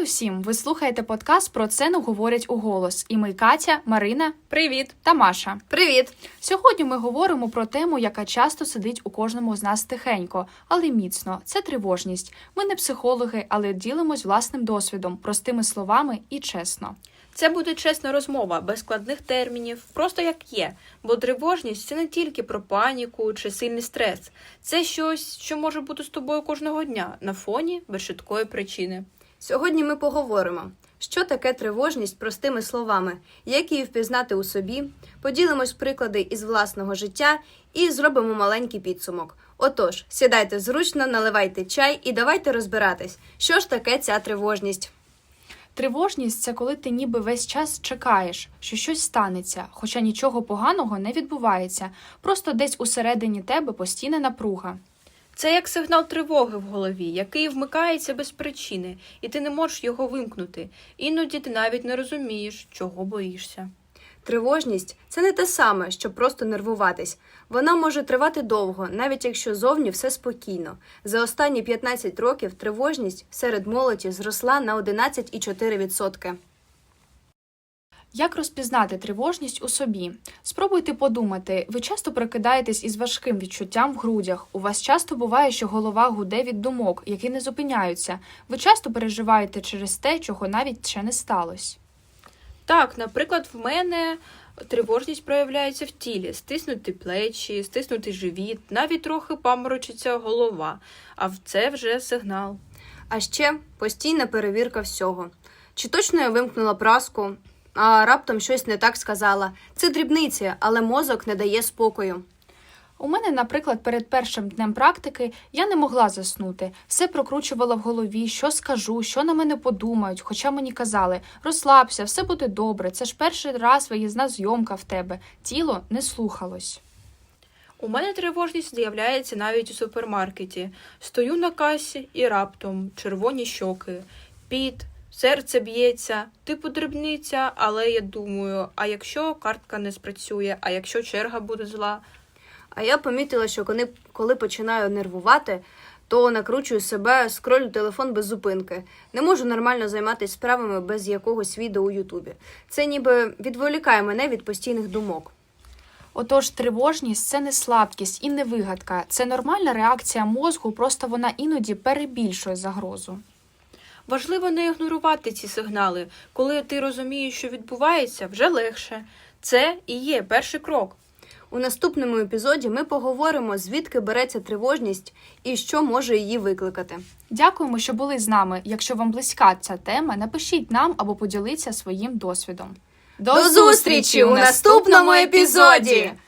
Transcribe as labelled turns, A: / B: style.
A: усім! Ви слухаєте подкаст «Про це не говорять уголос». І ми Катя, Марина,
B: Привіт!
A: та Маша.
B: Привіт!
A: Сьогодні ми говоримо про тему, яка часто сидить у кожному з нас тихенько, але міцно. Це тривожність. Ми не психологи, але ділимось власним досвідом, простими словами і чесно.
B: Це буде чесна розмова, без складних термінів, просто як є. Бо тривожність – це не тільки про паніку чи сильний стрес. Це щось, що може бути з тобою кожного дня, на фоні без чіткої причини.
C: Сьогодні ми поговоримо, що таке тривожність простими словами, як її впізнати у собі, поділимось приклади із власного життя і зробимо маленький підсумок. Отож, сідайте зручно, наливайте чай і давайте розбиратись, що ж таке ця тривожність.
A: Тривожність – це коли ти ніби весь час чекаєш, що щось станеться, хоча нічого поганого не відбувається, просто десь усередині тебе постійна напруга.
B: Це як сигнал тривоги в голові, який вмикається без причини, і ти не можеш його вимкнути. Іноді ти навіть не розумієш, чого боїшся.
C: Тривожність – це не те саме, що просто нервуватись. Вона може тривати довго, навіть якщо зовні все спокійно. За останні 15 років тривожність серед молоді зросла на 11,4%.
A: Як розпізнати тривожність у собі? Спробуйте подумати, ви часто прокидаєтесь із важким відчуттям в грудях, у вас часто буває, що голова гуде від думок, які не зупиняються, ви часто переживаєте через те, чого навіть ще не сталося.
B: Так, наприклад, в мене тривожність проявляється в тілі. Стиснуті плечі, стиснутий живіт, навіть трохи паморочиться голова. А це вже сигнал.
C: А ще постійна перевірка всього. Чи точно я вимкнула праску, а раптом щось не так сказала. Це дрібниці, але мозок не дає спокою.
A: У мене, наприклад, перед першим днем практики я не могла заснути. Все прокручувала в голові, що скажу, що на мене подумають, хоча мені казали, розслабся, все буде добре, це ж перший раз виїзна зйомка в тебе. Тіло не слухалось.
B: У мене тривожність з'являється навіть у супермаркеті. Стою на касі і раптом червоні щоки, піт, серце б'ється, типу дрібниця, але я думаю, а якщо картка не спрацює, а якщо черга буде зла?
C: А я помітила, що коли починаю нервувати, то накручую себе, скролю телефон без зупинки. Не можу нормально займатися справами без якогось відео у Ютубі. Це ніби відволікає мене від постійних думок.
A: Отож, тривожність – це не слабкість і не вигадка. Це нормальна реакція мозку, просто вона іноді перебільшує загрозу.
B: Важливо не ігнорувати ці сигнали. Коли ти розумієш, що відбувається, вже легше. Це і є перший крок.
C: У наступному епізоді ми поговоримо, звідки береться тривожність і що може її викликати.
A: Дякуємо, що були з нами. Якщо вам близька ця тема, напишіть нам або поділіться своїм досвідом.
C: До зустрічі у наступному епізоді!